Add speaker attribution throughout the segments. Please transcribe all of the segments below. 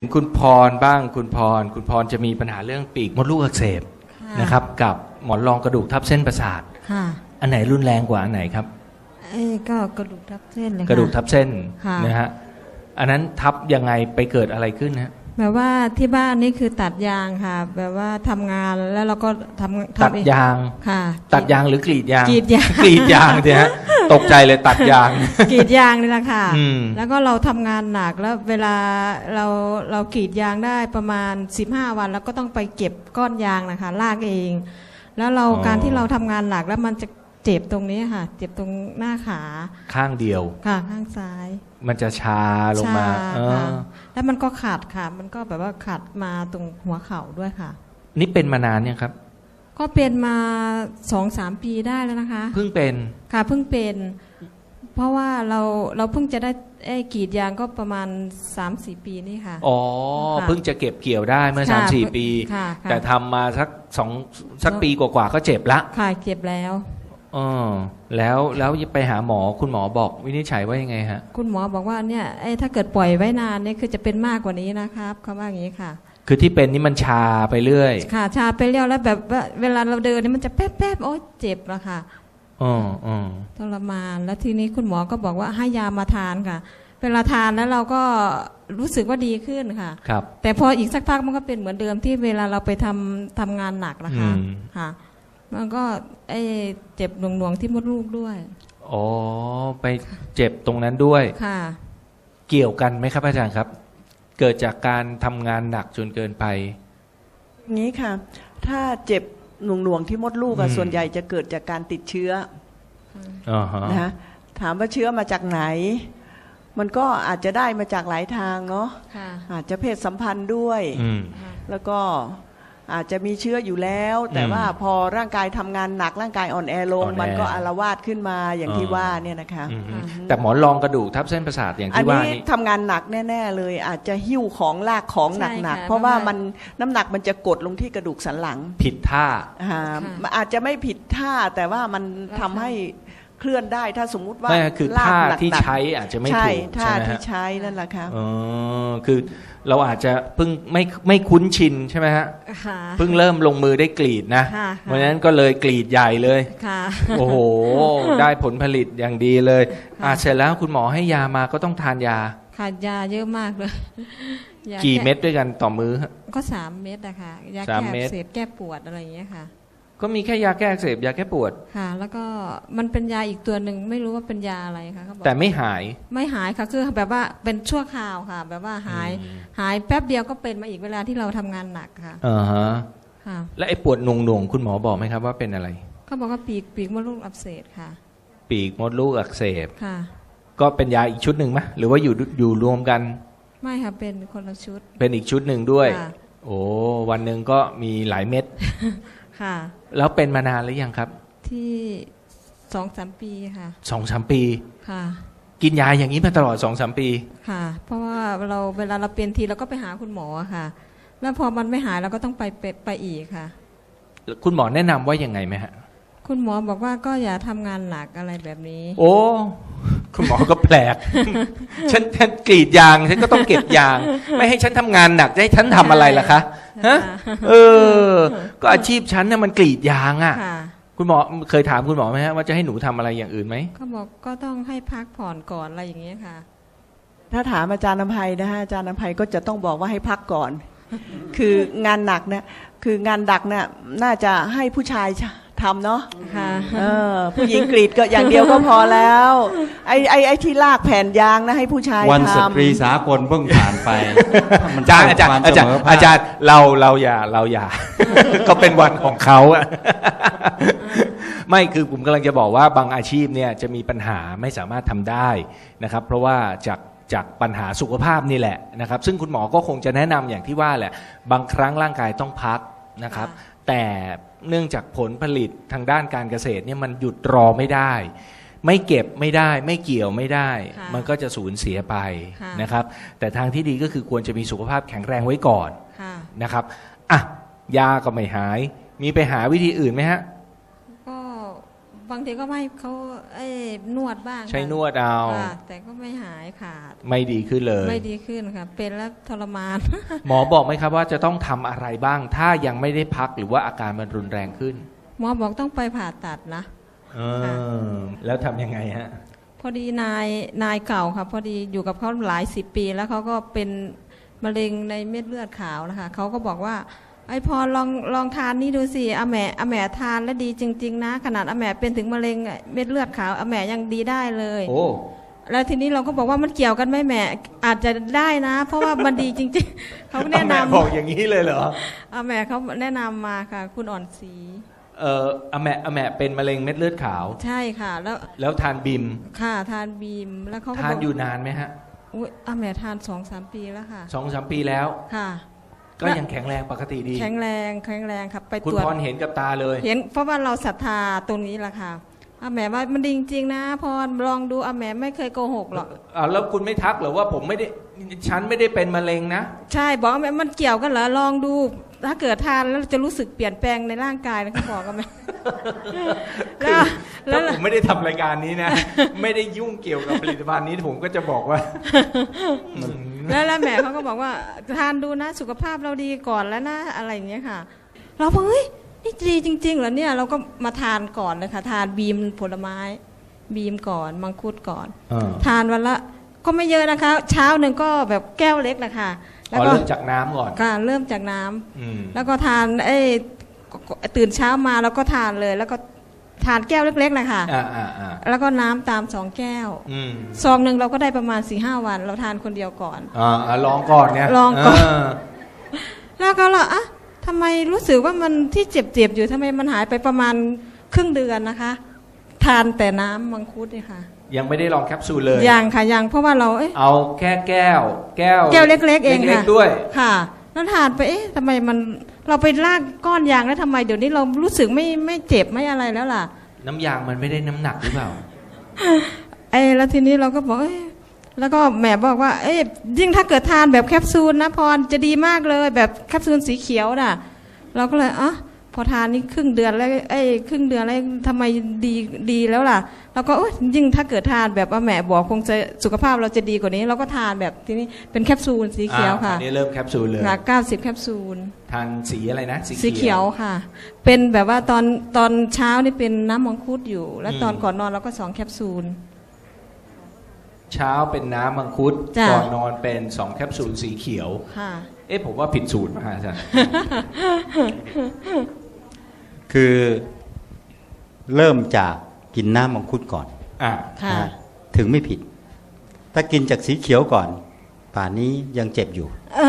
Speaker 1: คุณพรบ้างคุณพรจะมีปัญหาเรื่องปีกมดลูกอักเสบนะครับกับหมอนรองกระดูกทับเส้นประสาทอันไหนรุนแรงกว่าอันไหนครับ
Speaker 2: ก็กระดูกทับเส้นเลย
Speaker 1: กระดูกทับเส้นนะฮะอันนั้นทับยังไงไปเกิดอะไรขึ้นฮะ
Speaker 2: แบบว่าที่บ้านนี่คือตัดยางค่ะแบบว่าทำงานแล้วเราก็
Speaker 1: ตัดยาง
Speaker 2: ค่ะ
Speaker 1: ตัดยางหรือกรีดยาง
Speaker 2: กรีดยาง
Speaker 1: กรีดยางเนี่ยฮะตกใจเลยตัดยาง
Speaker 2: กรีดยางนี่แหละค่ะแล้วก็เราทำงานหนักแล้วเวลาเรากรีดยางได้ประมาณ15 วันแล้วก็ต้องไปเก็บก้อนยางนะคะลากเองแล้วการที่เราทำงานหนักแล้วมันจะเจ็บตรงนี้ค่ะเจ็บตรงหน้าขา
Speaker 1: ข้างเดียว
Speaker 2: ค่ะข้างซ้าย
Speaker 1: มันจะชาลงมา
Speaker 2: แล้วมันก็ขาดค่ะมันก็แบบว่าขาดมาตรงหัวเข่าด้วยค่ะ
Speaker 1: นี่เป็นมานานเนี่ยครับ
Speaker 2: ก็เป็นมา 2-3 ปีได้แล้วนะคะ
Speaker 1: เพิ่งเป็น
Speaker 2: ค่ะเพิ่งเป็นเพราะว่าเราเพิ่งจะได้กรีดยางก็ประมาณ 3-4 ปีนี่ค่ะ
Speaker 1: อ๋อเพิ่งจะเก็บเกี่ยวได้เมื่อ 3-4 ปีแต่ทำมาสักปีกว่าๆก็เจ็บละ
Speaker 2: ค่ะเจ็บแล้ว
Speaker 1: แล้วไปหาหมอคุณหมอบอกวินิจฉัยว่ายังไงฮะ
Speaker 2: คุณหมอบอกว่าเนี่ยถ้าเกิดปล่อยไว้นานเนี่ยคือจะเป็นมากกว่านี้นะครับเขาว่าอย่างนี้ค่ะ
Speaker 1: คือที่เป็นนี่มันชาไปเรื่อย
Speaker 2: ค่ะชาไปเรื่อยแล้วแบบว่าเวลาเราเดินนี่มันจะแป๊บๆโอ๊ยเจ็บอะค่ะทรมานแล้วทีนี้คุณหมอก็บอกว่าให้ยามาทานค่ะเวลาทานแล้วเราก็รู้สึกว่าดีขึ้นค่ะ
Speaker 1: ครับ
Speaker 2: แต่พออีกสักพักมันก็เป็นเหมือนเดิมที่เวลาเราไปทำงานหนักนะคะค่ะมันก็เจ็บหน่วงๆที่มดลูกด้วย
Speaker 1: อ๋อไปเจ็บตรงนั้นด้วย
Speaker 2: ค่ะ
Speaker 1: เกี่ยวกันไหมครับอาจารย์ครับเกิดจากการทำงานหนักจนเกินไป
Speaker 3: งี้ค่ะถ้าเจ็บหน่วงๆที่มดลูกส่วนใหญ่จะเกิดจากการติดเชื้อนะฮะถามว่าเชื้อมาจากไหนมันก็อาจจะได้มาจากหลายทางเนาะอาจจะเพศสัมพันธ์ด้วยแล้วก็อาจจะมีเชื้ออยู่แล้วแต่ว่าพอร่างกายทำงานหนักร่างกายอ่อนแอลงมันก็อาละวาดขึ้นมาอย่างที่ว่าเนี่ยนะคะ
Speaker 1: แต่หมอนรองกระดูกทับเส้นประสาทอย่างที่ว่านี้
Speaker 3: ทำงานหนักแน่ๆเลยอาจจะหิ้วของลากของหนักๆเพราะว่ามันน้ำหนักมันจะกดลงที่กระดูกสันหลัง
Speaker 1: ผิดท่า
Speaker 3: อาจจะไม่ผิดท่าแต่ว่ามันทำให้เคลื่อนได้ถ้าสมมุติว่า
Speaker 1: คือท่าที่ใช้อาจจะไม่ถูก
Speaker 3: ท่าที่ใช้นั่นแหละค่ะ
Speaker 1: คือเราอาจจะเพิ่งไม่คุ้นชินใช่ไหมฮะเพิ่งเริ่มลงมือได้กรีดนะเพราะฉะนั้นก็เลยกรีดใหญ่เลยโอ้โหได้ผลผลิตอย่างดีเลยเสร็จแล้วคุณหมอให้ยามาก็ต้องทานยา
Speaker 2: ค่ะยาเยอะมากเลย
Speaker 1: กี่เม็ดด้วยกันต่อมื้อ
Speaker 2: ก็3 เม็ดนะคะยาแก้อักเสบแก้ปวดอะไรอย่างเงี้ยค่ะ
Speaker 1: ก็มีแค่ยาแก้อักเสบยาแก้ปวด
Speaker 2: ค่ะแล้วก็มันเป็นยาอีกตัวหนึ่งไม่รู้ว่าเป็นยาอะไรค่ะเขาบอก
Speaker 1: แต่ไม่หาย
Speaker 2: ค่ะคือแบบว่าเป็นชั่วคราวค่ะแบบว่าหายแป๊บเดียวก็เป็นมาอีกเวลาที่เราทำงานหนักค่ะ
Speaker 1: ค่ะแล้วไอ้ปวดหน่วงคุณหมอบอกไหมครับว่าเป็นอะไร
Speaker 2: เขาบอกว่าปีกมดลูกอักเสบค่ะ
Speaker 1: ปีกมดลูกอักเสบ
Speaker 2: ค่ะ
Speaker 1: ก็เป็นยาอีกชุดหนึ่งไหมหรือว่าอยู่รวมกัน
Speaker 2: ไม่ค่ะเป็นคนละชุด
Speaker 1: เป็นอีกชุดหนึ่งด้วยโอ้วันหนึ่งก็มีหลายเม็ด
Speaker 2: ค่ะ
Speaker 1: แล้วเป็นมานานหรือยังครับ
Speaker 2: ที่2-3 ปีค่ะ
Speaker 1: 2-3 ปี
Speaker 2: ค่ะ
Speaker 1: กินยาอย่างนี้มาตลอด2-3 ปี
Speaker 2: ค่ะเพราะว่าเวลาเราเป็นทีเราก็ไปหาคุณหมอค่ะแล้วพอมันไม่หายเราก็ต้องไปอีกค่ะ
Speaker 1: คุณหมอแนะนำว่ายังไงไหมฮะ
Speaker 2: คุณหมอบอกว่าก็อย่าทำงานหนักอะไรแบบนี้
Speaker 1: โอ้คุณหมอก็แปลกฉันกรีดยางฉันก็ต้องเก็บยางไม่ให้ฉันทำงานหนักจะให้ฉันทำอะไรล่ะคะฮะก็อาชีพฉันน่ะมันกรีดยางอ่ะคุณหมอเคยถามคุณหมอไหมฮะว่าจะให้หนูทำอะไรอย่างอื่นไหม
Speaker 2: เขาบอกก็ต้องให้พักผ่อนก่อนอะไรอย่างเงี้ยค่ะ
Speaker 3: ถ้าถามอาจารย์อภัยนะฮะอาจารย์อภัยก็จะต้องบอกว่าให้พักก่อนคืองานหนักเนี่ยคืองานดักเนี่ยน่าจะให้ผู้ชายทำเนาะผู้หญิงกรีดก็อย่างเดียวก็พอแล้วไอ้ที่ลากแผ่นยางนะให้ผู้ชายทำ
Speaker 4: วันสตรีสากลเพิ่งผ่านไป
Speaker 1: อาจารย์เราอย่าก็เป็นวันของเขาอะไม่คือผมกำลังจะบอกว่าบางอาชีพเนี่ยจะมีปัญหาไม่สามารถทำได้นะครับเพราะว่าจากปัญหาสุขภาพนี่แหละนะครับซึ่งคุณหมอก็คงจะแนะนำอย่างที่ว่าแหละบางครั้งร่างกายต้องพักนะครับแต่เนื่องจากผลผลิตทางด้านการเกษตรเนี่ยมันหยุดรอไม่ได้ไม่เก็บไม่ได้ไม่เกี่ยวไม่ได้มันก็จะสูญเสียไปนะครับแต่ทางที่ดีก็คือควรจะมีสุขภาพแข็งแรงไว้ก่อนนะครับยาก็ไม่หายมีไปหาวิธีอื่นไหมฮะ
Speaker 2: ก็บางทีก็ไม่เขานวดบ้าง
Speaker 1: ใช้นวดเอา
Speaker 2: ค่ะแต่ก็ไม่หายขาด
Speaker 1: ไม่ดีขึ้นเลย
Speaker 2: ไม่ดีขึ้นค่ะเป็นแล้วทรมาน
Speaker 1: หมอบอกไหมครับว่าจะต้องทำอะไรบ้าง ถ้ายังไม่ได้พักหรือว่าอาการมันรุนแรงขึ้น
Speaker 2: หมอบอกต้องไปผ่าตัดนะ ค่ะ
Speaker 1: แล้วทำยังไงฮะ
Speaker 2: พอดีนายเก่าค่ะพอดีอยู่กับเขาหลายสิบปี แล้วเขาก็เป็นมะเร็งในเม็ดเลือดขาวนะคะเขาก็บอกว่าไอ้พอลองทานนี่ดูสิอาแหม่ทานแล้วดีจริงๆนะขนาดอาแหม่เป็นถึงมะเร็งเม็ดเลือดขาวอาแหม่ยังดีได้เลย
Speaker 1: โอ้
Speaker 2: แล้วทีนี้เราก็บอกว่ามันเกี่ยวกันไหมแหม่อาจจะได้นะ เพราะว่ามันดีจริงๆ เขาแนะนำ
Speaker 1: บอกอย่างนี้เลยเหรอ
Speaker 2: อาแหม่เขาแนะนำมาค่ะ คุณอ่อนศรี
Speaker 1: อาแหม่เป็นมะเร็งเม็ดเลือดขาว
Speaker 2: ใช่ค่ะ
Speaker 1: แล้วทานบิม
Speaker 2: ค่ะทานบีมแล้วเขาก็
Speaker 1: ทาน
Speaker 2: บอก
Speaker 1: อยู่นานไหมฮะ
Speaker 2: อุ๊ยอาแหม่ทาน2-3 ปีแล้วค่ะ
Speaker 1: 2-3 ปีแล้ว
Speaker 2: ค่ะ
Speaker 1: ก็ยังแข็งแรงปกติดี
Speaker 2: แข็งแรงครับไป
Speaker 1: คุณ
Speaker 2: ตรวจ
Speaker 1: พรเห็นกับตาเลย
Speaker 2: เห็นเพราะว่าเราศรัทธาตรงนี้แหละค่ะอาแหม่ว่ามันดีจริงๆนะพรลองดูอาแหม่ไม่เคยโกหกหรอก
Speaker 1: แล้วคุณไม่ทักเหรอว่าผมไม่ได้ฉันไม่ได้เป็นมะเร็งนะ
Speaker 2: ใช่บอกอาแหม่มันเกี่ยวกันเหรอลองดู ถ้าเกิดทานแล้วจะรู้สึกเปลี่ยนแปลงในร่างกายนะเขาบอกกันไหม
Speaker 1: ถ้าผมไม่ได้ทำรายการนี้นะ ไม่ได้ยุ่งเกี่ยวกับผลิตภัณฑ์นี้ผมก็จะบอกว่า
Speaker 2: แล้วแม่เขาก็บอกว่าทานดูนะสุขภาพเราดีก่อนแล้วนะอะไรอย่างเงี้ยค่ะ เราบอกเฮ้ยนี่ดีจริงๆเหรอเนี่ยเราก็มาทานก่อนเลยค่ะทานบีมผลไม้บีมก่อนมังคุดก่อน ทานวันละก็ไม่เยอะนะคะ เช้าหนึ่งก็แบบแก้วเล็กแหละค่ะแล้วก็
Speaker 1: เริ่มจากน้ำก่อน
Speaker 2: ค่ะเริ่มจากน้ำแล้วก็ทานตื่นเช้ามาแล้วก็ทานเลย แล้วก็ทานแก้วเล็กๆนะคะแล้วก็น้ำตาม2 แก้วซองหนึ่งเราก็ได้ประมาณ 4-5 วันเราทานคนเดียวก่อน
Speaker 1: ลองก่อนเนี่ย
Speaker 2: ลองก่อนแล้วก็เราทำไมรู้สึกว่ามันที่เจ็บๆอยู่ทำไมมันหายไปประมาณครึ่งเดือนนะคะ ทานแต่น้ำมังคุดนี่ค่ะ
Speaker 1: ยังไม่ได้ลองแคปซูลเลย
Speaker 2: ยังค่ะยังเพราะว่าเรา
Speaker 1: เอาแค่แก้ว
Speaker 2: เล็กๆเองค่ะ
Speaker 1: ด้วย
Speaker 2: ค่ะแล้วทานไปทำไมมันเราไปลากก้อนยางแล้วทำไมเดี๋ยวนี้เรารู้สึกไม่เจ็บไม่อะไรแล้วล่ะ
Speaker 1: น้ำยางมันไม่ได้น้ำหนักหรือเปล่า
Speaker 2: แล้วทีนี้เราก็บอกแล้วก็แม่บอกว่ายิ่งถ้าเกิดทานแบบแคปซูลนะพรจะดีมากเลยแบบแคปซูลสีเขียวน่ะเราก็เลยพอทานนี่ครึ่งเดือนแล้วครึ่งเดือนแล้วทำไมดีแล้วล่ะเราก็ยิ่งถ้าเกิดทานแบบว่าแม่บอกคงจะสุขภาพเราจะดีกว่านี้เราก็ทานแบบทีนี้เป็นแคปซูลสีเขียวค่ะ
Speaker 1: อันนี้เริ่มแคปซูลเลย
Speaker 2: 90 แคปซูล
Speaker 1: ทานสีอะไรนะ
Speaker 2: สีเขียวค่ะเป็นแบบว่าตอนเช้านี่เป็นน้ำมังคุดอยู่แล้วตอนก่อนนอนเราก็2 แคปซูล
Speaker 1: เช้าเป็นน้ำมังคุดก่อนนอนเป็น2 แคปซูลสีเขียว
Speaker 2: ค่ะ
Speaker 1: ผมว่าผิดสูตรมาอาจารย์
Speaker 4: คือเริ่มจากกินน้ำมังคุดก่อนถึงไม่ผิด ถ้ากินจากสีเขียวก่อนป่านนี้ยังเจ็บอยู่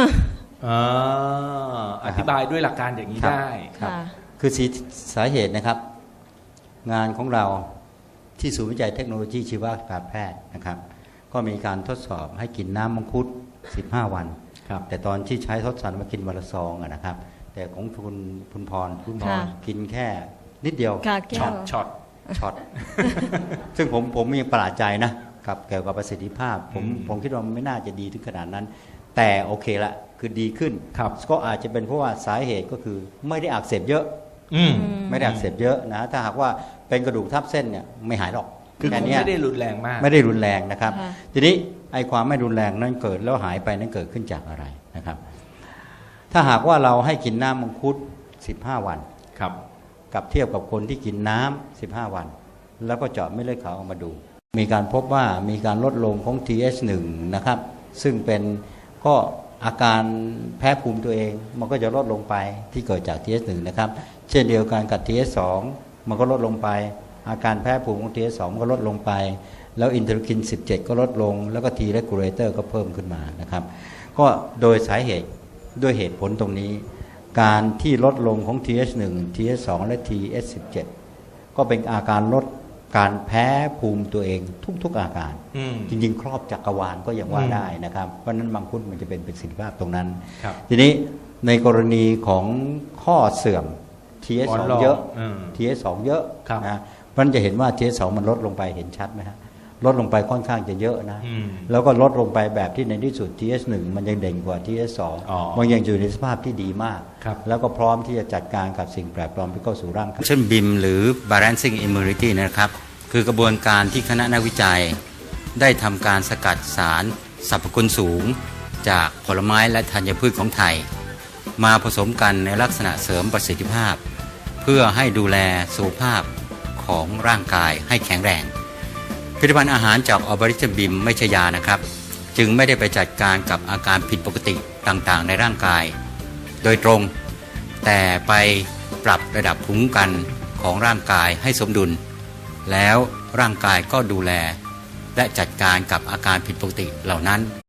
Speaker 1: อธิบายด้วยหลักการอย่างนี้ได้
Speaker 4: ครับคือสาเหตุนะครับงานของเราที่ศูนย์วิจัยเทคโนโลยีชีวการแพทย์นะครับก็มีการทดสอบให้กินน้ำมังคุด15 วันแต่ตอนที่ใช้ทดสอบมากินวันละซองนะครับแต่ของคุณพรกินแค่นิดเดียว
Speaker 1: ช็อต
Speaker 4: ซึ่งผมยังประหลาดใจนะกับเกี่ยวกับประสิทธิภาพผมคิดว่ามันไม่น่าจะดีถึงขนาดนั้นแต่โอเคละคือดีขึ้นก็อาจจะเป็นเพราะว่าสาเหตุก็คือไม่ได้อักเสบเยอะไม่ได้อักเสบเยอะนะถ้าหากว่าเป็นกระดูกทับเส้นเนี่ยไม่หายหรอก
Speaker 1: คือไม่ได้รุนแรงมาก
Speaker 4: ไม่ได้รุนแรงนะครับทีนี้ไอ้ความไม่รุนแรงนั้นเกิดแล้วหายไปนั้นเกิดขึ้นจากอะไรนะครับถ้าหากว่าเราให้กินน้ำมังคุด15 วันกับเทียบกับคนที่กินน้ำ15 วันแล้วก็เจาะเม็ดเลือดขาวออกมาดูมีการพบว่ามีการลดลงของ TH1 นะครับซึ่งเป็นก็อาการแพ้ภูมิตัวเองมันก็จะลดลงไปที่เกิดจาก TH1 นะครับเช่นเดียวกันกับ TH2 มันก็ลดลงไปอาการแพ้ภูมิของ TH2 ก็ลดลงไปแล้วอินเทอร์คิน17ก็ลดลงแล้วก็ T regulator ก็เพิ่มขึ้นมานะครับก็โดยสาเหตุด้วยเหตุผลตรงนี้การที่ลดลงของ TH1 TH2 และ TH17 ก็เป็นอาการลดการแพ้ภูมิตัวเองทุกๆอาการจริงๆครอบจักรวาลก็ยังว่าได้นะครับเพราะนั้นมังคุดมันจะเป็นประสิทธิภาพตรงนั้นทีนี้ในกรณีของข้อเสื่อม TH2 เยอะ TH2 เยอะนะเพราะนั้นจะเห็นว่า TH2 มันลดลงไปเห็นชัดไหมฮะลดลงไปค่อนข้างจะเยอะนะแล้วก็ลดลงไปแบบที่ในที่สุด TH1 มันยังเด่นกว่า TH2 มันยังอยู่ในสภาพที่ดีมากแล้วก็พร้อมที่จะจัดการกับสิ่งแปลกปลอมที่เข้าสู่ร่างกายเช่น BIM หรือ Balancing Immunity นะครับคือกระบวนการที่คณะนักวิจัยได้ทำการสกัดสารสรรพคุณสูงจากผลไม้และธัญพืชของไทยมาผสมกันในลักษณะเสริมประสิทธิภาพเพื่อให้ดูแลสุขภาพของร่างกายให้แข็งแรงผลิตภัณฑ์อาหารจากออบริชบิมไม่ใช่ยานะครับจึงไม่ได้ไปจัดการกับอาการผิดปกติต่างๆในร่างกายโดยตรงแต่ไปปรับระดับภูมิคุ้มกันของร่างกายให้สมดุลแล้วร่างกายก็ดูแลและจัดการกับอาการผิดปกติเหล่านั้น